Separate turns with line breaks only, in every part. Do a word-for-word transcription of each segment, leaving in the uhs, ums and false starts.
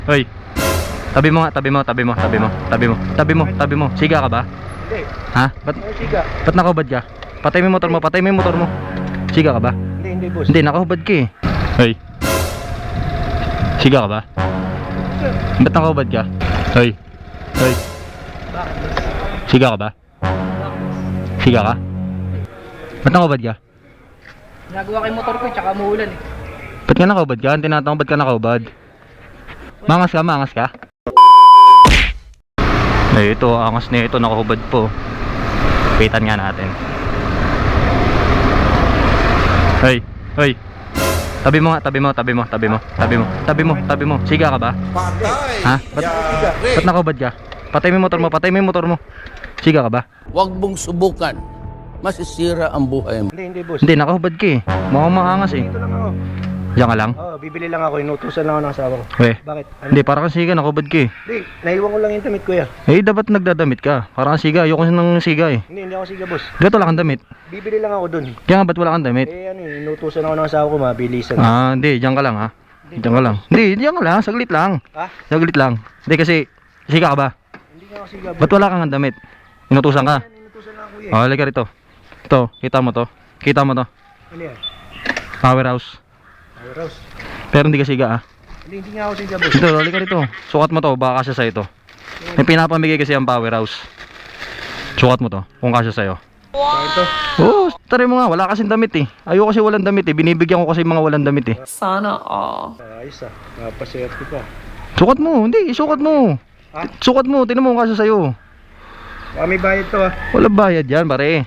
Hoy. Tabi mo nga, tabi mo, tabi mo, tabi mo, tabi mo, tabi mo, tabi mo. Siga ka ba?
Hindi.
Ha? Ba't,
Ano siga?
ba't nakahubad ka? Patay mo yung motor mo, patay mo yung motor mo. Siga ka ba?
Hindi, hindi boss.
Hindi, nakahubad ka eh. Hoy. Siga ka ba?
Sir,
Ba't nakahubad ka? Hoy. Hoy.
bakit boss?
Siga ka ba? Siga ka? Ba't nakahubad ka?
Nagawa ko yung motor ko, tsaka umuulan eh.
Ba't ka nakahubad ka? Ang tinatanong ba't ka nakahubad? Mangas ka, mangas ka? Eh, ito, angas na ito, nakahubad po. Pitan nga natin. Hoy, hoy. Tabi mo nga, tabi mo, tabi mo, tabi mo, tabi mo, tabi mo, tabi mo. Siga ka ba?
Patay!
Ha? Ba't, ba't nakahubad ka? Patay mo yung motor mo, patay mo yung motor mo. Siga ka ba?
Huwag mong subukan. Masisira ang buhay mo.
Hindi, hindi boss.
Hindi, nakahubad ka eh. Mukhang maangas eh.
Dito lang ako.
Diyan ka lang?
Oo, bibili lang ako. Inutusan lang ako ng asawa ko.
Weh.
Bakit? Ano?
Hindi, para kang siga, nakahubad ka eh.
Hindi, naiwan ko lang yung damit kuya.
Eh, dapat nagdadamit ka. Parang kang siga, ayoko ng siga eh.
Hindi, hindi ako siga boss.
Gato wala kang damit.
Bibili lang ako dun.
Kaya nga, ba't wala kang damit?
Eh ano eh, inutusan ako ng asawa ko, mabilisan.
Ah, hindi, diyan ka lang ha. Diyan ka lang. Hindi, diyan ka lang, saglit lang.
Ha?
Saglit lang. Hindi kasi, siga ka ba?
Hindi nga ako siga boss.
Ba't wala kang damit? Inutusan ka?
Inutusan lang ako kuya.
Oh, halika rito. Ito, kita mo to. Kita mo to.
Ano yan?
Powerhouse.
Ay, Rose.
Pero hindi ka siga ah.
Hindi, hindi nga ako siga boss.
Ito, halika rito. Sukat mo to, baka kasya sa'yo to. May pinapamigay kasi ang powerhouse. Sukat mo to, kung kasya sa'yo.
Wow! Ito.
Oo, tari mo nga, wala kasing damit eh. Ayoko kasi walang damit eh. Binibigyan ko kasi mga walang damit eh.
Sana all.
Ayos ah, napaswerte ka.
Sukat mo, hindi, isukat mo.
Ha?
Sukat mo, tinan mo kung kasya sa'yo.
Baka may bayad to ah.
Wala bayad yan, pare.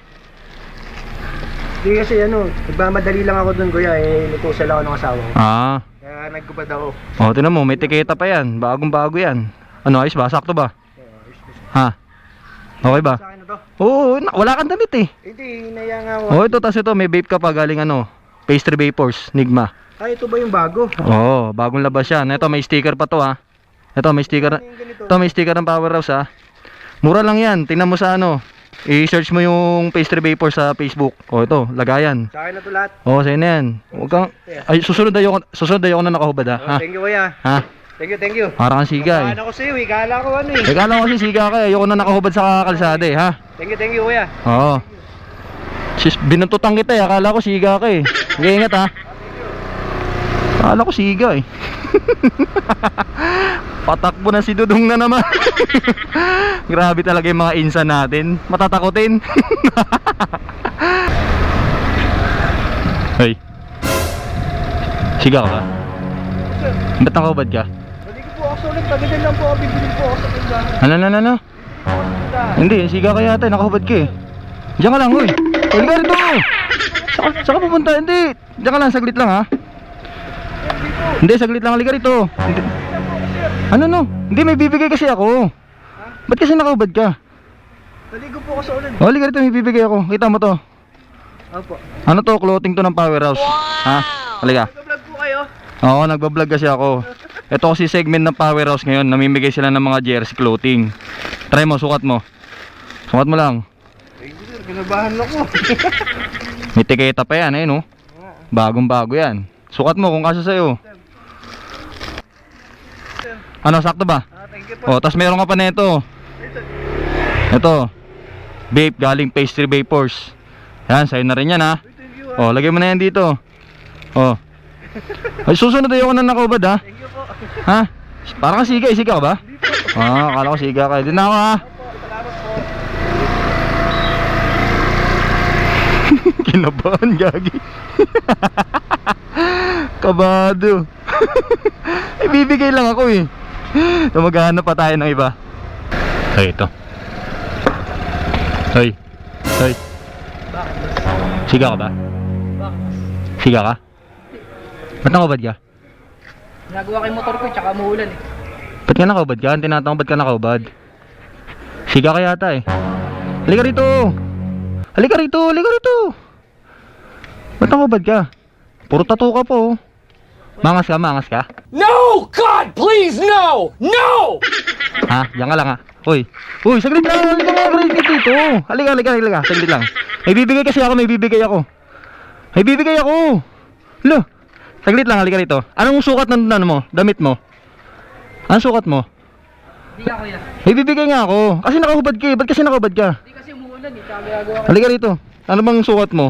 Hindi kasi ano, nagmamadali lang ako dun kuya, eh inutusan lang ako ng asawa ko.
Ah,
Kaya nagkubad ako.
oh, tinan mo, may tiketa pa yan. Bagong bago yan. Ano, ayos ba? Sakto ba? Ha? Okay ba?
Sa akin na to?
Oo, na- wala kang damit eh.
Hindi, hinaya nga ako.
Oh, ito, tas ito, may vape ka pa galing ano, Pastry Vapors, Nigma.
Ay, ito ba yung bago?
Oo, bagong labas yan. Ito, may sticker pa to ha. Ito, may sticker.
Ano yung ganito?
Ito, may sticker ng Powerhouse ha. Mura lang yan. Tingnan mo sa ano. I-search mo yung Pastry Vapors sa Facebook. Oh, ito, lagayan.
Sa akin na to lahat.
Oh, sa'yo na yan. Huwag kang... Ay, susunod ayoko, susunod ayoko na nakahubad ha. Ha?
Oh, thank you kuya.
Ha?
Thank you, thank you.
Parang kang siga eh.
Paano ko sa'yo eh, kala ko ano eh.
Eh, kala ko kasi siga ka eh. Ayoko na nakahubad sa kalsada eh, ha?
Thank you, thank you kuya.
Oo. Sis, binuntutan kita eh. Akala ko siga ka eh. Sige, ingat ha. Akala ko siga eh. Patakbo na si Dudong na naman. Grabe talaga yung mga insan natin. Matatakotin. Hey. Siga ka ba? Ba't nakahubad ka?
Balik ko po ako sa ulit, tagilan lang po ako, bibili po ako sa tindahan.
Ano, ano, ano, ano?
Tindahan.
Hindi, siga ka yata, nakahubad ka eh. Diyan ka lang, uy. Uy, ka rito. Saka, saka pupunta, hindi. Diyan ka lang, saglit lang ha. Hindi, saglit lang, halika rito. Hindi. Ano no? Hindi, may bibigay kasi ako. Ba't kasi nakahubad ka?
Baligo po ako sa ulit.
O, halika rito, may bibigay ako. Kita mo to.
Opo.
Ano to, clothing to ng Powerhouse. Ha? Halika.
Nag-vlog po kayo?
Oo, nagbablog kasi ako. Ito kasi segment ng Powerhouse ngayon. Namimigay sila ng mga jersey clothing. Try mo, sukat mo. Sukat mo lang.
Thank you sir, kinabahan ako.
May tiketa pa yan eh, no? Bagong bago yan. Sukat mo kung kasya sa'yo. Ano, sakto ba?
Ah, thank you po.
O, tas meron ka pa nito. Ito. Vape, galing Pastry Vapors. Yan, sa'yo na rin yan ha.
Thank you
O,
ah.
lagay mo na yan dito. O. Ay, susunod ayoko na nakahubad ha.
Thank you po.
Ha? Parang ka siga, eh, siga ka ba? Ah, akala ko siga ka. Hindi na ako ha.
Salamat po.
Kinabahan, gagi. Kabado. Ibibigay lang ako eh. So, maghahanap pa tayo ng iba. Ay, ito. Hoy. Hoy.
Bakit boss?
Siga ka ba?
Bakit boss?
Siga ka? Ba't nakahubad ka?
Nagawa ko yung motor ko, tsaka umuulan eh.
Ba't ka nakahubad ka? Ang tinatanong ba't ka nakahubad? Siga ka yata eh. Halika rito. Halika rito, halika rito. Ba't nakahubad ka? Puro tattoo ka po. Mangas ka, mangas ka?
No! God, please, no! No!
Ha? Diyan ka lang ha. Uy. Uy, saglit lang. Halika nga, halika dito. Halika, halika, halika. Saglit lang. May bibigay kasi ako, may bibigay ako. May bibigay ako. Lo. Saglit lang, halika rito. Anong sukat ng ano mo? Damit mo? Ang sukat mo?
Hindi ka kuya.
May bibigay nga ako. Kasi nakahubad ka eh. Ba't kasi nakahubad ka?
Hindi kasi umuulan eh. Tsaka gagawa ka.
Halika rito. Ano bang sukat mo?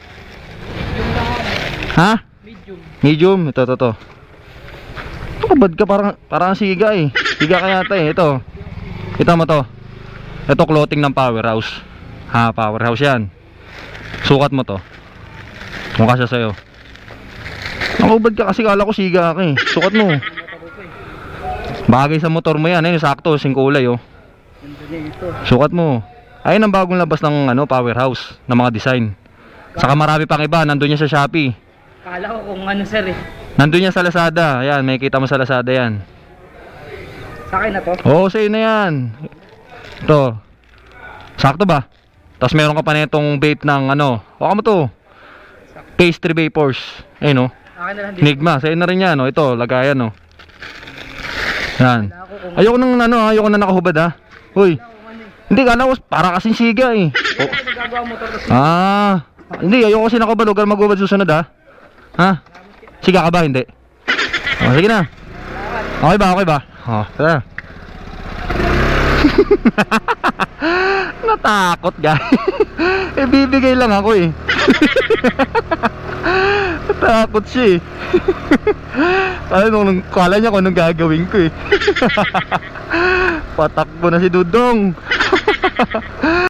Ha?
Medium.
Medium. Ito, ito, ito. Nakahubad ka parang, parang siga eh. Siga ka yata eh. Ito. Kita mo to. Ito clothing ng Powerhouse. Ha, Powerhouse yan. Sukat mo to. Mukha siya sa'yo. Nakahubad ka kasi kala ko siga ka eh. Sukat mo. Bagay sa motor mo yan. Ayun, sakto. Sing kulay oh.
Ganda niya ito.
Sukat mo. Ayun ang bagong labas ng ano, Powerhouse na mga design. Saka marami pang iba. Nandun niya sa Shopee.
Kala ko kung ano sir eh.
Nandun niya sa Lazada. Ayan, may kita mo sa Lazada yan.
Sa akin na to.
Oo, sa'yo na yan. Ito. Sakto ba? Tapos meron ka pa na itong vape ng ano. Baka mo to. Pastry Vapors. Ayun oh.
Akin na lang dito.
Enigma. Sa'yo na rin yan oh. Ito, lagayan oh. Yan.
Kala ko kung
Ayoko nang ano, ayoko na nakahubad ha. Hoy.
kung ano eh.
Hindi, kala ko para kasing siga eh. Oh.
Kasi nagagawa motor kasi.
Ah, hindi, ayoko kasi nakahubad. Huwag ka magubad susunod ha. Ha? Siga ka ba? Hindi. Oh, sige na. Okay ba? Okay ba? Oh, tara. Natakot guys. Eh bibigay lang ako eh. Natakot siya eh. Ano nung kala niya kung anong gagawin ko eh. Patakbo na si Dudong.